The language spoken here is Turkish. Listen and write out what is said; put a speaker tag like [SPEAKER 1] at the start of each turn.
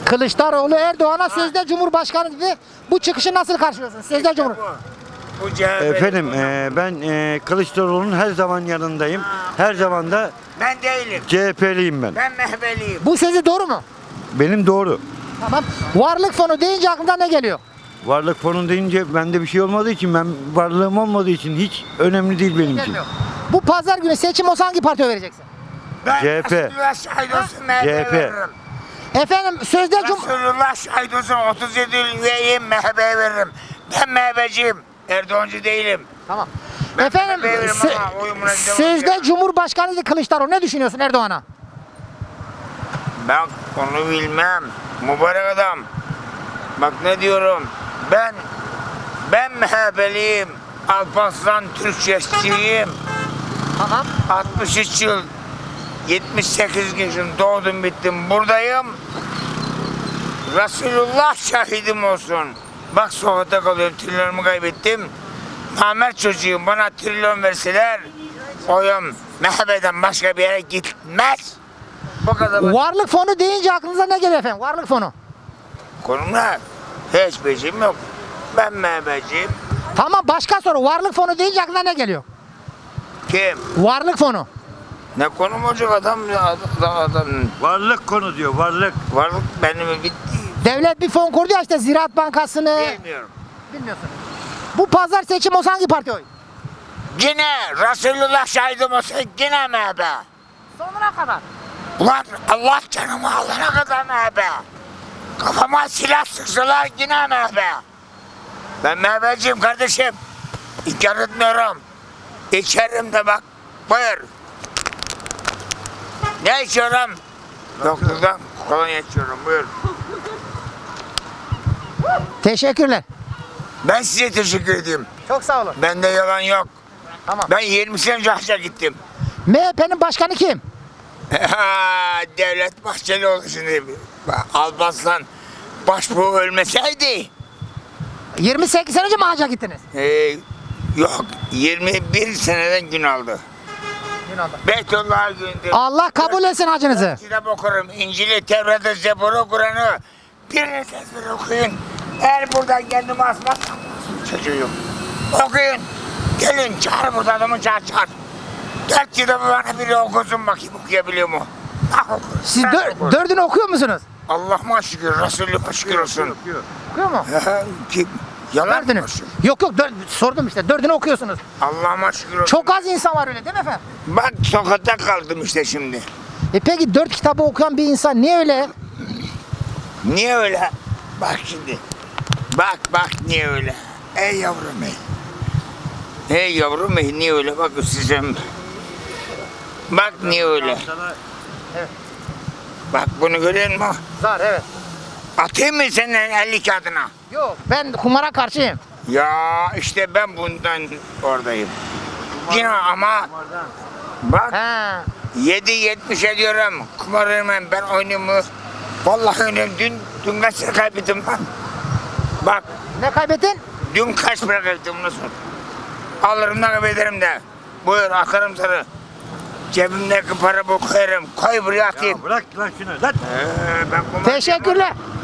[SPEAKER 1] Kılıçdaroğlu Erdoğan'a sözde Cumhurbaşkanı dedi. Bu çıkışı nasıl karşılıyorsun? Sözde Cumhur.
[SPEAKER 2] Bu CHP.
[SPEAKER 3] Efendim ben Kılıçdaroğlu'nun her zaman yanındayım. Her zaman da
[SPEAKER 2] Ben değilim.
[SPEAKER 3] CHP'liyim ben.
[SPEAKER 2] Ben MHP'liyim.
[SPEAKER 1] Bu sözü doğru mu?
[SPEAKER 3] Benim doğru.
[SPEAKER 1] Tamam. Varlık fonu deyince aklına ne geliyor?
[SPEAKER 3] Varlık fonu deyince bende bir şey olmadığı için, ben varlığım olmadığı için hiç önemli değil benim için.
[SPEAKER 1] Gelmiyor. Bu pazar günü seçim olsa hangi partiye vereceksin?
[SPEAKER 2] Ben
[SPEAKER 3] CHP.
[SPEAKER 2] Resulullah şahit olsun MHP'ye
[SPEAKER 3] CHP.
[SPEAKER 2] veririm.
[SPEAKER 1] Efendim sözde
[SPEAKER 2] Resulullah şahit olsun 37 yıl üyeyim MHP'ye veririm. Ben MHP'ciyim. Erdoğancı değilim.
[SPEAKER 1] Tamam.
[SPEAKER 2] Ben
[SPEAKER 1] Efendim
[SPEAKER 2] veririm ama oyumuna devam
[SPEAKER 1] sözde
[SPEAKER 2] ediyorum.
[SPEAKER 1] Cumhurbaşkanı Kılıçdaroğlu, ne düşünüyorsun Erdoğan'a?
[SPEAKER 2] Ben onu bilmem. Mübarek adam. Bak ne diyorum. Ben MHP'liyim. Alparslan Türkçesiyim.
[SPEAKER 1] Tamam.
[SPEAKER 2] 63 yıl 78 gün doğdum bittim buradayım. Resulullah şahidim olsun. Bak sokakta kalıyorum, trilyonumu kaybettim. Namert çocuğum, bana trilyon verseler oyum MHP'den başka bir yere gitmez. Bu kadar.
[SPEAKER 1] Varlık fonu deyince aklınıza ne geliyor efendim? Varlık fonu.
[SPEAKER 2] Konumlar hiçbir şeyim yok. Ben MHP'ciyim.
[SPEAKER 1] Tamam, başka soru. Varlık fonu deyince aklına ne geliyor?
[SPEAKER 2] Kim?
[SPEAKER 1] Varlık fonu.
[SPEAKER 2] Ne konum olacak adam? Adam.
[SPEAKER 3] Varlık konu diyor, varlık.
[SPEAKER 2] Varlık benim bitti.
[SPEAKER 1] Devlet bir fon kurdu ya, işte Ziraat Bankası'nı.
[SPEAKER 2] Bilmiyorum.
[SPEAKER 1] Bilmiyorsun. Bu pazar seçim olsa hangi parti oy?
[SPEAKER 2] Yine Resulullah şahidim olsa yine MHP.
[SPEAKER 1] Sonuna kadar.
[SPEAKER 2] Ulan Allah canımı alana kadar MHP. Kafama silah sıksalar yine MHP. Ben MHP'ciyim kardeşim. İnkar etmiyorum. İçerim de bak. Buyur. Ne içiyorum? Doktordan kolonya içiyorum. Buyur.
[SPEAKER 1] Teşekkürler.
[SPEAKER 2] Ben size teşekkür edeyim.
[SPEAKER 1] Çok sağ olun.
[SPEAKER 2] Bende yalan yok.
[SPEAKER 1] Tamam.
[SPEAKER 2] Ben 20 sene önce hacca gittim.
[SPEAKER 1] MHP'nin başkanı kim?
[SPEAKER 2] Devlet Bahçelioğlu şimdi. Alparslan başbuğ ölmeseydi.
[SPEAKER 1] 28 sene önce mi hacca gittiniz?
[SPEAKER 2] Yok 21 seneden gün aldı. Beytullah'a gündür.
[SPEAKER 1] Allah kabul etsin hacınızı.
[SPEAKER 2] Kitap okurum. İncil'i, Tevrat'ı, Zebur'u, Kur'an'ı. Birini sesleri okuyun. Eğer buradan kendimi asmazsam çocuğum. Okuyun. Gelin çağır burada adamı çağır. 4 kitabı bana biri okusun bakayım okuyabiliyor mu?
[SPEAKER 1] Siz
[SPEAKER 2] Ben okurum.
[SPEAKER 1] dördünü okuyor musunuz?
[SPEAKER 2] Allah'ıma şükür, Resulü'me şükür olsun.
[SPEAKER 1] Okuyor mu?
[SPEAKER 2] Kim? Yalan
[SPEAKER 1] Dördünü.
[SPEAKER 2] mı?
[SPEAKER 1] Yok sordum işte. Dördünü okuyorsunuz.
[SPEAKER 2] Allah'ıma şükür olsun.
[SPEAKER 1] Çok az insan var öyle değil mi efendim?
[SPEAKER 2] Bak sokakta kaldım işte şimdi.
[SPEAKER 1] Peki 4 kitabı okuyan bir insan niye öyle?
[SPEAKER 2] Niye öyle? Bak şimdi. Bak niye öyle? Ey yavrum ey. Ey yavrum ey niye öyle? Bak size. Bak niye öyle?
[SPEAKER 1] Evet.
[SPEAKER 2] Bak bunu görüyor musun?
[SPEAKER 1] Var, evet.
[SPEAKER 2] Atayım mı senin 50 kağıdına?
[SPEAKER 1] Yok, ben kumara karşıyım.
[SPEAKER 2] Ya işte ben bundan oradayım. Yine ama bak
[SPEAKER 1] He.
[SPEAKER 2] 7.70 ediyorum. Kumar oynamam ben oynuyorum mu? Vallahi oynuyorum. Dün kaç lira kaybettim lan? Bak
[SPEAKER 1] Ne kaybettin?
[SPEAKER 2] dün kaç para kaybettim nasıl? Alırım da kaybederim de. Buyur akarım sana. Cebimdeki para bu koyarım. Koy buraya atayım.
[SPEAKER 3] Ya bırak lan şunu. Lan.
[SPEAKER 2] Ben kumar
[SPEAKER 1] Teşekkürler.